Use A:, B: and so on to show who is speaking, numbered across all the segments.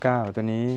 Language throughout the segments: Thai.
A: 19ตัวนี้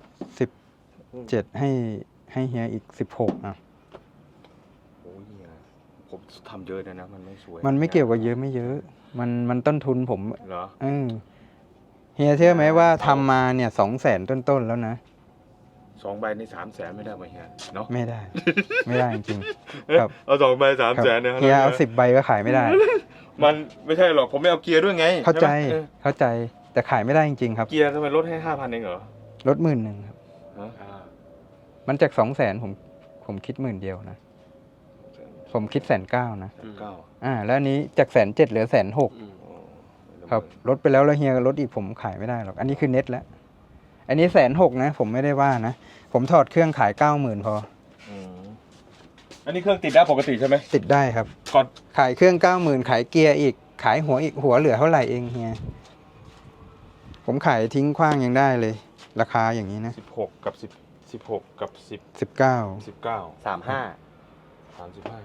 A: 17ให้เฮียอีก16อ่ะ
B: โอ้ยเฮียผมทำเยอะนะมันไม่สวย
A: มันไม่เกี่ยวกับเยอะไม่เยอะ มันต้นทุนผม
B: เหรอ
A: เฮียเชื่อไหมว่าทำมาเนี่ย200,000ต้นๆแล้วนะ
B: 2 ใบใน300,000ไม่ได้ไหมเฮียเนาะ
A: ไม่ได้ ไม่ได้จริงๆครับ
B: เอา2 ใบ
A: ครับ
B: 300,000เนี่ย
A: เฮียเอา10 ใบก็ขายไม่ได้
B: มันไม่ใช่หรอกผมไม่เอาเกียร์ด้วยไง
A: เข้าใจ
B: ช่ไหม
A: เข้าใจแต่ขายไม่ได้จริงๆครับ
B: เกียร์ทำไมลดให้ 5,000เองเหรอ
A: ลด10,000ครับ
B: ฮะ
A: มันจาก200,000ผมคิด10,000นะผมคิด190,000นะ
B: 9
A: แล้วอันนี้จาก107,000เหลือ106,000ครับลดไปแล้วเฮียลดอีกผมขายไม่ได้หรอกอันนี้คือเน็ตแล้วอันนี้106,000นะผมไม่ได้ว่านะผมถอดเครื่องขาย90,000พอ
B: อันนี้เครื่องติดได้ปกติใช่ไหม
A: ติดได้ครับ
B: ก่อน
A: ขายเครื่อง90,000ขายเกียร์อีกขายหัวอีกหัวเหลือเท่าไหร่เองเฮียผมขายทิ้งขว้างยังได้เลย ราคาอย่างนี้นะ
B: 16กับ16กับ10
A: 19
B: 19
C: 35
B: 35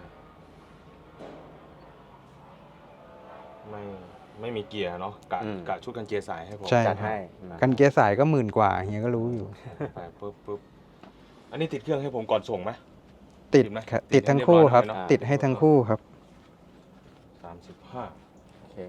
B: ไม่มีเกียร์เนาะกะชุดกันเกียร์สายให้ผม
A: ใช่
C: จัดให้
A: กันเกียร์สายก็10,000 กว่าเฮียก็รู้อยู่
B: ไปปุ๊บอันนี้ติดเครื่องให้ผมก่อนส่งไหม
A: ติด
B: ติดไหม
A: ครับ
B: ติ
A: ติ
B: ด
A: ด
B: ให้
A: ทั้งคู่ครับ
B: เรียบร้อยแล้วเนอะ
A: ติดให้ทั้งคู่ครับ
B: 35
C: โอเค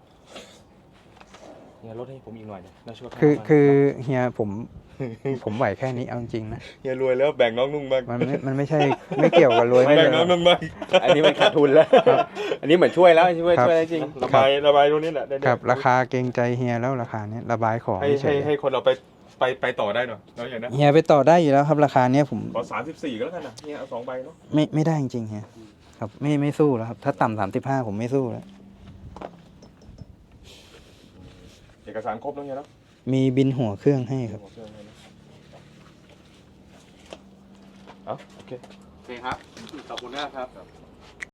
B: เนี่ยลดให้ผมอีกหน่อยนะช่วย
A: คือเฮียผมไหวแค่นี้เอาจริงๆนะ
B: เฮียรวยแล้วแบ่งน้องนุ่งบ้าง
A: มันไม่ใช่ไม่เกี่ยวกับรวยไม่
B: แบ่
A: เล
B: ง
A: ย
B: น้องนุ่งบ้าง
C: อันนี้มันขาดทุนแล้ว อันนี้เหมือนช่วยแล้วช่วย
A: ครับ
C: แล้วจริง
B: ระบายตรงนี้แหละได้
A: ครับราคาเกรงใจเฮียแล้วราคาเนี้ยระบายของ
B: ให้คนเราไปต่อได้หน่อยแล้วอย่างนั้น
A: เฮียไปต่อได้อยู่แล้วครับราคาเนี้ยผม
B: ขอ34ก็แล้วกันนะเฮียเอา2 ใบเนาะ
A: ไม่ได้จริงๆเฮียครับไม่สู้แล้วครับถ้าต่ำ35ผมไม่สู้แล้ว
B: เอกสารครบแล้วเฮียเนาะ
A: มีบินหัวเครื่องให้ครับ
B: หัวเครื่องให้นะเอาโอเค
C: โอเคครับ ขอบคุณมากครับ